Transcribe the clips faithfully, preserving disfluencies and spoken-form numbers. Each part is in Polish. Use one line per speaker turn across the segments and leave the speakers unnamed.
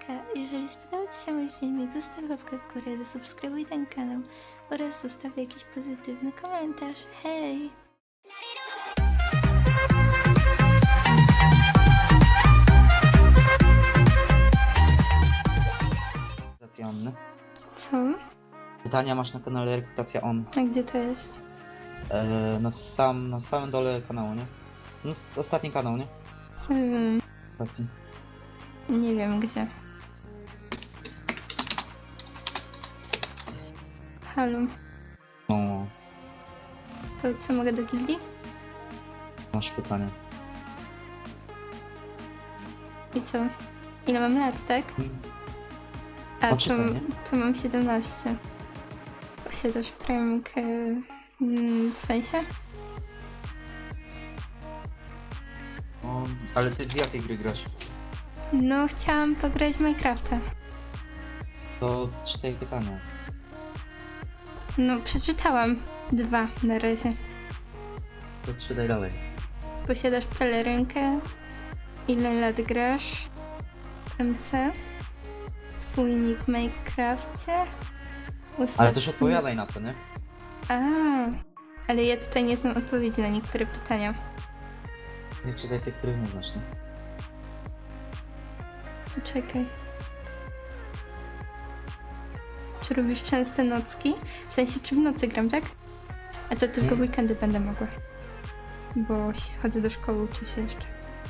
Hejka, jeżeli spodobał Ci się mój filmik, zostaw łapkę w górę, zasubskrybuj ten kanał oraz zostaw jakiś pozytywny komentarz. Hej!
Rekrutacja on.
Co?
Pytania masz na kanale Rekrutacja On.
A gdzie to jest?
Eee, na, sam, na samym dole kanału, nie? No, ostatni kanał, nie?
Hmm,
Rekrutacji.
nie wiem gdzie. Halo,
No,
to co, mogę do gildii?
masz pytanie.
I co? Ile mam lat, tak? A
No,
to,
czytaj, nie?
to mam siedemnaście. Posiadasz premikę... Mm, w sensie?
No, ale ty w jakiej gry grasz?
No, chciałam pograć w Minecrafta.
To czytaj pytania.
No, przeczytałam dwa na razie.
To czytaj dalej.
Posiadasz pelerynkę? Ile lat grasz? M C? Twój nick w Minecrafcie? Ustaw
Ale też
mi-
odpowiadaj na to, nie?
A, ale ja tutaj nie znam odpowiedzi na niektóre pytania.
Nie czytaj tych, których nie znasz, nie?
To czekaj. Czy robisz częste nocki? W sensie, czy w nocy gram, tak? A to tylko w
Hmm.
weekendy będę mogła. Bo chodzę do szkoły, uczę się jeszcze.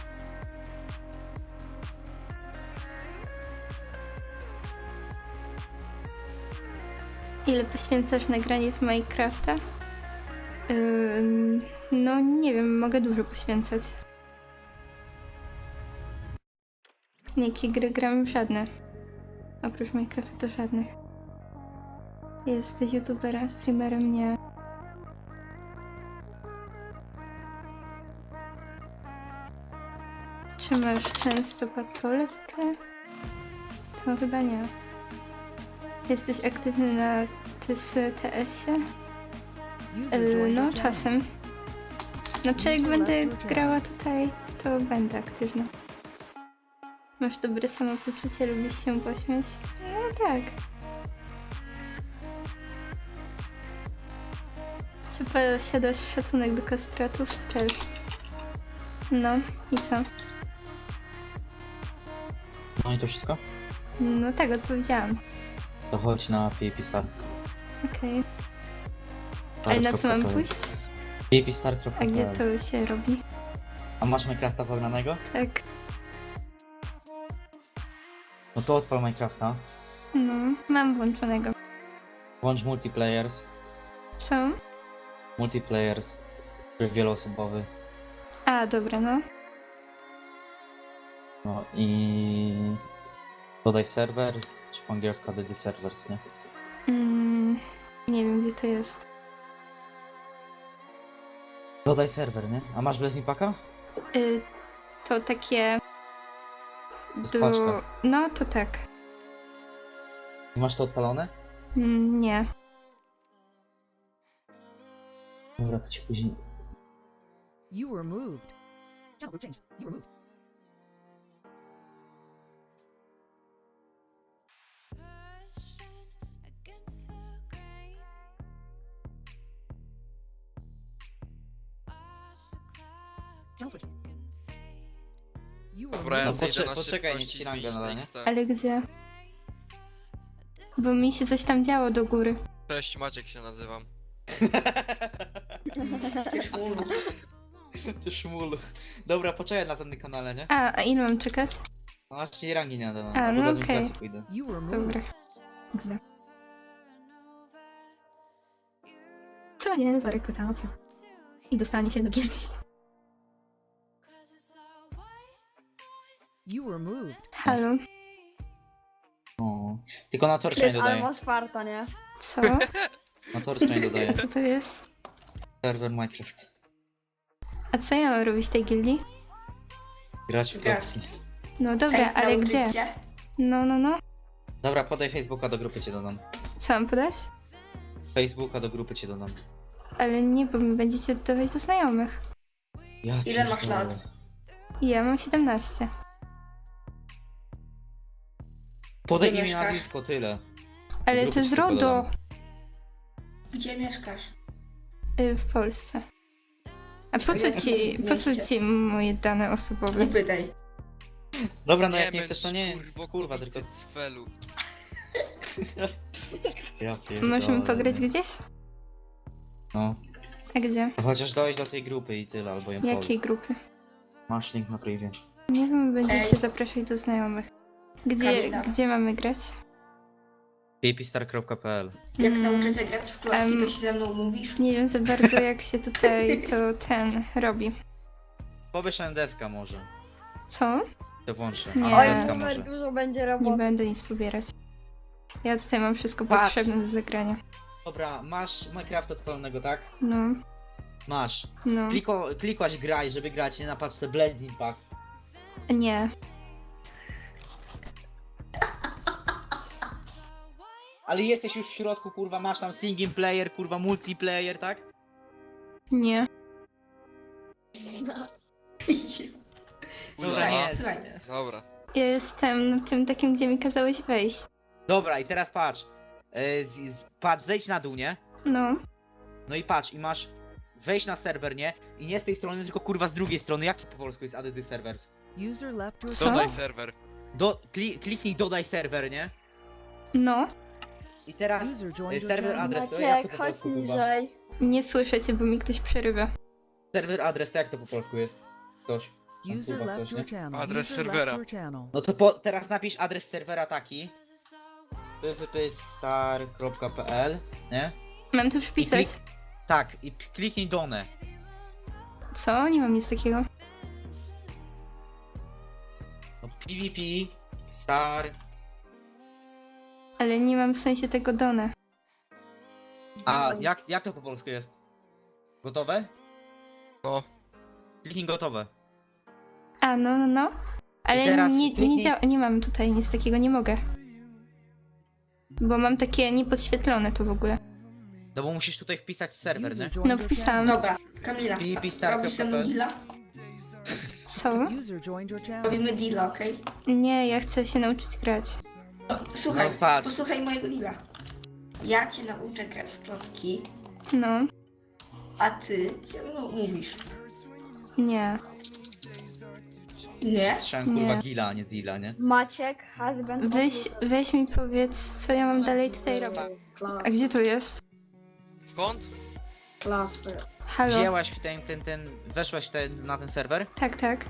Ile poświęcasz na granie w Minecrafta? Ym, no nie wiem, mogę dużo poświęcać. Jakie gry gram? W żadne. Oprócz Minecrafta to żadnych. Jesteś youtuberem, streamerem? Nie. Czy masz często patrole w tle? To chyba nie. Jesteś aktywny na T S T S-ie? Yy, no, czasem. Znaczy, jak będę grała tutaj, to będę aktywna. Masz dobre samopoczucie, lubisz się pośmiać? No tak. Czy posiadasz szacunek do kastratów? Też. No, i co?
No i to wszystko?
No tak, odpowiedziałam.
To chodź na P V P Star.
Okej. Ale na co mam pójść?
P V P Star.
A gdzie to się robi?
A masz Minecrafta pognanego?
Tak.
No to odpal Minecrafta.
No, mam włączonego.
Włącz multiplayers.
Co?
Multiplayers. Tryb wieloosobowy.
A, dobra, no.
No i dodaj serwer, czy po angielsku dodaj servers, nie?
Mm, nie wiem, gdzie to jest.
Dodaj serwer, nie? A masz Blazing Packa?
Y, to takie...
jest
Do...
paczka.
No, to tak.
I masz to odpalone?
Mm, nie.
Dobra, to ci później.
You were moved. Channel group change. You were moved. Channel switch. You were
Dobra, ja
No
moved.
zejdę
poczekaj,
na
poczekaj,
szybkość
niech
i
ci rangę
zmienić
nada, nie?
tekst.
Ale gdzie? Bo mi się coś tam działo do góry.
Cześć, Maciek się nazywam.
Ty szmulu.
Ty szmulu. Dobra, poczekaj na ten kanale, nie?
A, a ile mam czekać?
No aż ci rangi nie nada.
A,
albo
no
do
okej.
administracji pójdę.
You were moved.
Dobra. Gdzie? To nie jest rekrutacja. I dostanie się do gildii.
You were moved.
Halo?
O. Tylko na torcza nie
Ale
dodaję.
masz farta, nie?
Co?
Na torcza nie
A
dodaję.
co to jest?
Serwer Minecraft.
A co ja mam robić w tej gildii?
Grać w
Grać.
opcji.
No dobra, ale gdzie? No, no, no.
Dobra, podaj Facebooka, do grupy cię dodam.
Co mam podać?
Facebooka do grupy cię dodam.
Ale nie, bo mi będziecie dodawać do znajomych.
Ja
Ile masz
pierdolę.
lat?
I ja mam siedemnaście.
Podaj
Gdzie
imię
mieszkasz?
nazwisko, tyle.
Ale
Grupy
to jest
ci tylko
RODO
dodam.
Gdzie mieszkasz?
y, w Polsce. A po co
Ja-
ci, po co
mieście.
ci moje dane osobowe?
Nie pytaj.
Dobra, no jak nie
męcz,
chcesz, to nie.
kurwo,
Kurwa,
kobiety
tylko...
cfelu.
Ja pierdolę.
Możemy pograć gdzieś?
No.
A gdzie?
To chociaż dojść do tej grupy i tyle, albo ją
Jakiej
powiedz.
grupy?
Masz link na privie.
Nie wiem, będziecie
Ej.
zapraszać do znajomych. Gdzie,
Kamila.
gdzie mamy grać?
pipistar kropka p l.
Jak
Mm,
nauczę cię grać w klocki,
em,
to się ze mną mówisz?
Nie wiem za bardzo jak się tutaj to ten robi.
Pobierz deska może.
Co?
To włączę.
Nie.
A,
Oj,
deska
Super
może.
dużo będzie
Nie
roboty.
będę nic pobierać. Ja tutaj mam wszystko
Patrz.
potrzebne do zagrania.
Dobra, masz Minecraft odpalonego, tak?
No,
Masz.
no.
Kliko, klikłaś graj, żeby grać nie na paczce Blazing Pack.
Nie.
Ale jesteś już w środku, kurwa, masz tam single player, kurwa, multiplayer, tak?
Nie.
Dobra,
Kurwa.
nie.
Słuchaj.
Dobra.
Ja jestem na tym takim, gdzie mi kazałeś wejść.
Dobra, i teraz patrz. E, z, z, patrz, zejdź na dół, nie?
No.
No i patrz, i masz wejść na serwer, nie? I nie z tej strony, tylko kurwa z drugiej strony. Jak to po polsku jest add this servers?
User left your
Co?
Dodaj serwer.
Do, kli, kliknij dodaj serwer, nie?
No.
I teraz
User
e,
joined your
serwer
channel.
adres, to jak to
Maciek,
po
chodź
polsku, kurwa?
niżej.
Nie słyszę cię, bo mi ktoś przerywa.
Serwer adres, to jak to po polsku jest? Ktoś. Tam,
User
kurwa,
left
ktoś,
your
nie?
channel.
Adres
User
serwera.
left your channel.
No to po, teraz napisz adres serwera taki. pwpstar kropka p l, nie?
Mam tu przypisać.
klik- Tak, i p- kliknij done.
Co? Nie mam nic takiego.
No pvp star.
Ale nie mam w sensie tego done.
A jak, jak to po polsku jest? Gotowe?
No.
Kliknij gotowe.
A, no, no, no. Ale
teraz
nie, nie,
kliknij-
dzia- nie mam tutaj nic takiego, nie mogę. Bo mam takie niepodświetlone to w ogóle.
No bo musisz tutaj wpisać serwer, nie?
User joined
No,
your
wpisałam.
channel.
Dobra, Kamila,
pvpstar
robisz ze
kropka p
mną
l.
deala?
Co?
User joined your channel.
Robimy deala, okej?
Nie, ja chcę się nauczyć grać.
No, słuchaj,
No patrz.
posłuchaj mojego deala. Ja cię nauczę grać w klocki,
No,
a ty się ze mną mówisz.
nie.
Nie?
Słyszałem kurwa
Nie.
gila, a nie deala, nie?
Maciek, husband.
Weź, weź mi powiedz, co ja mam dalej tutaj robić. A gdzie to jest?
Skąd?
Klasy.
Halo?
Wzięłaś w ten, ten, ten, weszłaś w ten, na ten serwer
Tak, tak.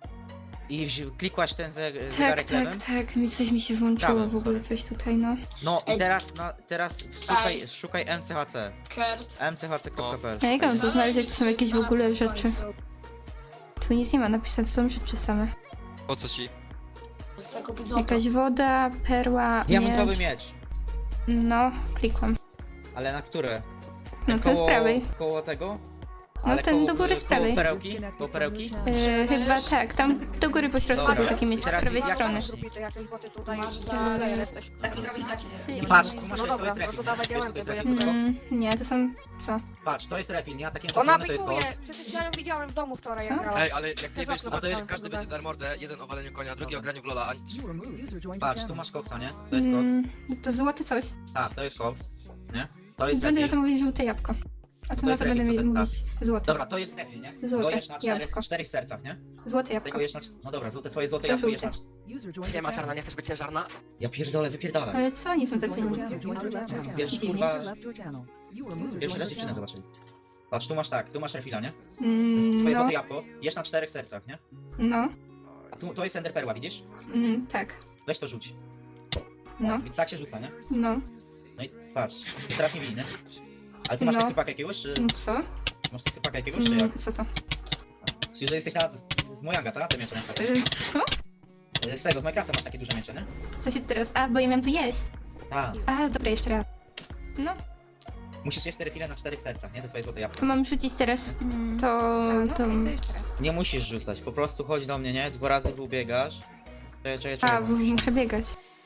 i wzi- klikłaś ten ze,
Tak,
zegarek
tak,
lewym.
tak. Mi coś mi się włączyło
Prawym,
w ogóle,
sorry.
coś tutaj, no.
No i
Ej.
teraz, no, teraz szukaj,
Ej.
szukaj M C H C.
Kurt.
M C H C kropka p l.
A jak mam to znaleźć, jak to są jakieś w ogóle rzeczy? Tu nic nie ma napisane, to są rzeczy same.
Po co ci?
Chcę kupić złoto.
Jakaś woda, perła,
Diamentowy
miecz.
miecz.
No, klikłam.
Ale na które?
No ten z prawej.
Koło tego?
No
Ale
ten
koło-
do góry z
koło
prawej.
perełki? Koło perełki?
Yy, chyba tak, tam do góry po środku
Dobra.
był taki miecz z
Teraz
prawej
jak-
strony.
Zrobicie jakieś boty tutaj.
Masz
Gdzie
dać.
player jesteś?
Tak mi zrobić gacie.
Sy-
Patrz, tu masz
No
to
dobra,
jest
no
refil.
to dawaj
Wiesz, to
diamenty,
jest
bo ja
refil,
tutaj-
no?
Mm, nie, to są... co?
Patrz, to jest refil, nie? A takie
To
czerwone to jest
nawiguje.
to.
Przecież ja ją widziałem w domu wczoraj,
Co?
jak grałem.
Ej, ale jak ty wiesz, to
No to jest-
każdy będzie dar mordę, jeden o waleniu konia, drugi o graniu w Lola, a
You were moved. User joined your
Patrz, tu
channel.
masz koksa, nie? To jest koks.
Mm, to złote coś.
Tak, to jest koks. Nie? To jest
Będę na to
refil.
mówić żółte jabłko. A to
To
na
jest
to będę
refil,
mi-
to
mówić złote.
Dobra, to jest refil, nie?
Złote
Dojesz na czterech,
jabłko.
czterech sercach, nie?
Złote
Tego
jabłko.
jesz na... No dobra, złote, twoje złote
To
jabłko jesz na...
żółte.
User joined
Nie
your
ma czarna,
channel.
nie chcesz być ciężarna?
Ja pierdolę, wypierdalaj.
Ale co oni są tacy
User
niscy?
left your channel.
Wiesz,
Dziwnie.
kurwa...
User left your channel. You were moved.
Pierwszy raz dziewczynę zobaczyli. Patrz, tu masz tak, tu masz refila, nie?
Mm,
Twoje
no,
złote jabłko, jesz na czterech sercach, nie?
no,
A tu, to jest ender perła, widzisz?
mm, tak,
Weź to rzuć.
no,
I tak się rzuca, nie?
no.
No i patrz, teraz nie winny. Ale ty masz
No.
tekstypaka jakiegoś, czy...
Mm, Co?
Masz tekstypaka jakiegoś, czy jak?
Mm, co to?
Czyli, że jesteś na... z Mojanga, tak? Te miecze na przykład.
Y, co?
Z tego, z Minecrafta masz takie duże miecze, nie?
Co się teraz... A, bo ja miałam tu jeść.
Tak.
A, dobra, jeszcze raz. No,
Musisz jeść te refile na czterech sercach, nie? To twoje złote jabłko.
to mam rzucić teraz to... to...
Nie musisz rzucać, po prostu chodź do mnie, nie? Dwa razy ubiegasz. Czekaj, czekaj, czekaj.
A, bo muszę biegać.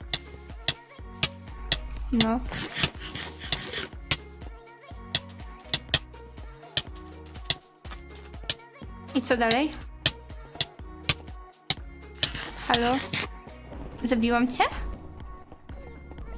No. I co dalej? Halo? Zabiłam cię?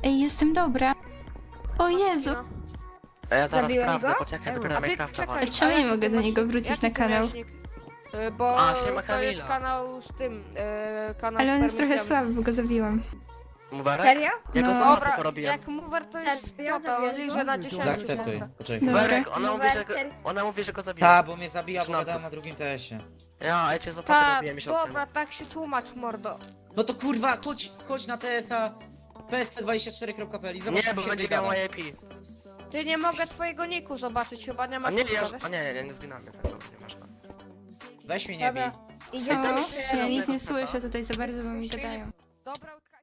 Ej, jestem dobra. O Jezu.
No.
A ja zaraz
Zabiłem
sprawdzę,
go?
poczekaj, dopiero
A
na
ty
Minecrafta
czekaj,
walę.
Czemu nie
ale
mogę do
masz-
niego wrócić
jaki
na
ty
kanał?
miałeś nick? Y, Bo
A, siema
to jest
Kamila.
kanał z tym, y, kanał
Ale
z
on jest trochę
permisjami.
słaby, bo go zabiłam.
Muberek?
Serio?
Ja go
No.
z automaty
Dobra,
porobiłem.
jak mover to jest
Serio?
to, to liże na dziesięć.
Zaakceptuj, poczekaj.
Dobra.
Muberek, ona mówi, że go,
Numer
ona mówi, że go zabiła.
Ta, bo mnie zabija, bo
Przynajmniej.
gadałem na drugim T S-ie.
Ja, ja cię z automaty
Tak,
robiłem miesiąc temu.
dobra, tak się tłumacz, mordo.
No to kurwa, chodź, chodź na T S-a p s p dwadzieścia cztery kropka p l i zobacz,
Nie,
jak
bo
się
będzie
wygada.
miał I P.
Ty nie mogę twojego niku zobaczyć, chyba nie
A
masz
nie, ja,
ustawień.
a nie, ja nie zginamy, tak, dobra, nie masz go.
Weź mnie nie bij.
Dobra.
Co?
tam
Ja
jeszcze
nic nie
raz
słyszę tutaj za bardzo, bo mi gadają.
Dobra,